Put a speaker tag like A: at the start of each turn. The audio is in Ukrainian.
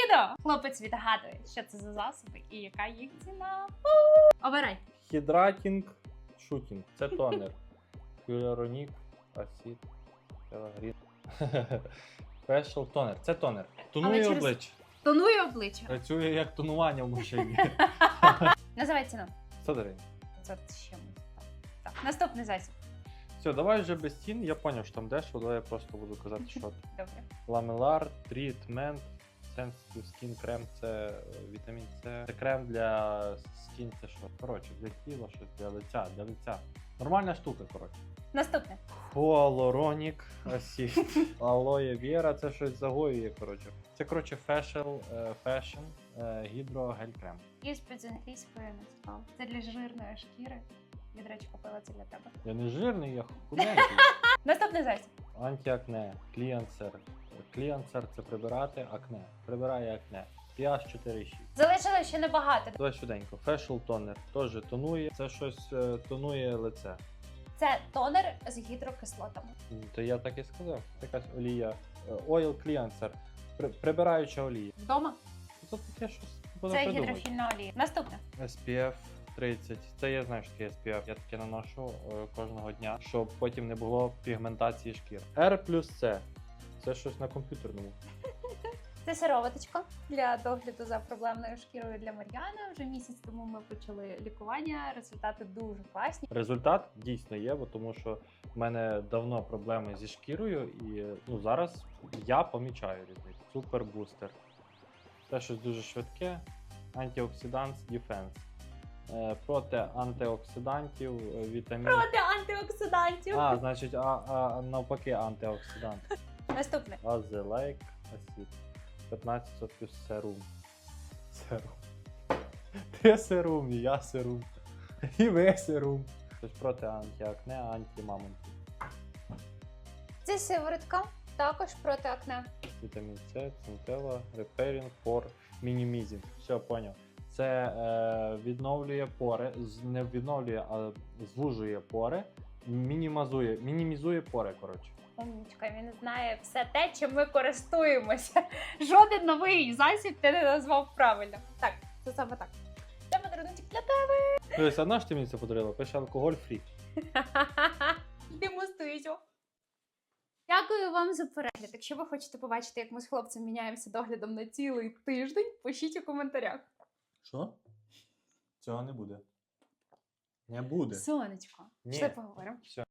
A: відео хлопець відгадує, що це за засоби і яка їх ціна. Обирай.
B: Хідратінг шутінг. Це тонер. Хіалуронік, асід, телегрін. Фешл тонер. Це тонер. Тонує
A: через-
B: обличчя.
A: Тонує обличчя.
B: Працює як тонування в машині.
A: Називай ціну.
B: 100 гривень.
A: Це ще так. Наступний засіб.
B: Все, давай вже без цін. Я зрозумів, що там дешево, давай я просто буду казати, що
A: Добре.
B: ламелар, трітмент, Sensitive Skin крем, це вітамін С. Це крем для скін, це що? Коротше, для тіла, щось для лиця. Нормальна штука, коротше.
A: Наступне.
B: Хуалуронік асід. Алоє віра, це щось загоює, коротше. Це, коротше, фешн гідрогель крем.
A: І з англійською назвав. Це для жирної шкіри. Від речі, купила це для тебе.
B: Я не жирний, я худенький.
A: Наступний засіб.
B: Антиакне, кліансер. Кліансер це прибирати акне. Прибирає акне. pH 4,6.
A: Залишилось ще небагато.
B: Давай швиденько. Фешл тонер теж тонує. Це щось тонує лице.
A: Це тонер з гідрокислотами.
B: То я так і сказав. Якась олія. Oil cleanser. Прибираюча олія.
A: Вдома?
B: Це таке щось буде
A: Це
B: придумати.
A: гідрофільна олія. Наступне.
B: SPF 30. Це я знаю, що таке SPF. Я таке наношу кожного дня, щоб потім не було пігментації шкір. R плюс C. Це щось на комп'ютерному.
A: Це сироваточка для догляду за проблемною шкірою для Мар'яна. Вже місяць тому ми почали лікування. Результати дуже класні.
B: Результат дійсно є, бо тому що в мене давно проблеми зі шкірою, і зараз я помічаю різницю. Супер бустер. Це щось дуже швидке. Антиоксидант Defense. Проти антиоксидантів, вітамін.
A: Проти антиоксидантів.
B: Значить, навпаки антиоксидант.
A: Наступне.
B: Азелейк асід. 15% серум. Серум. Ти серум, і я серум. І ви серум. Тобто проти антиакне, антимамонтів.
A: Це сиворотка. Також проти акне.
B: Вітамін С, цинтела, repairing pore minimizing. Все, поняв. Це відновлює пори, не відновлює, а звужує пори, мінімізує пори, коротше.
A: Умничка, він знає все те, чим ми користуємося. Жоден новий засіб ти не назвав правильно. Так, це саме так. Це подарунок для тебе.
B: Дивись, одна ж ти мені це подарила, пише алкоголь фрі.
A: Демонструйте. Дякую вам за перегляд. Якщо ви хочете побачити, як ми з хлопцем міняємося доглядом на цілий тиждень, пишіть у коментарях.
B: Що? Цього не буде. Не буде.
A: Сонечко,
B: Ні.
A: пішли поговоримо.
B: Все.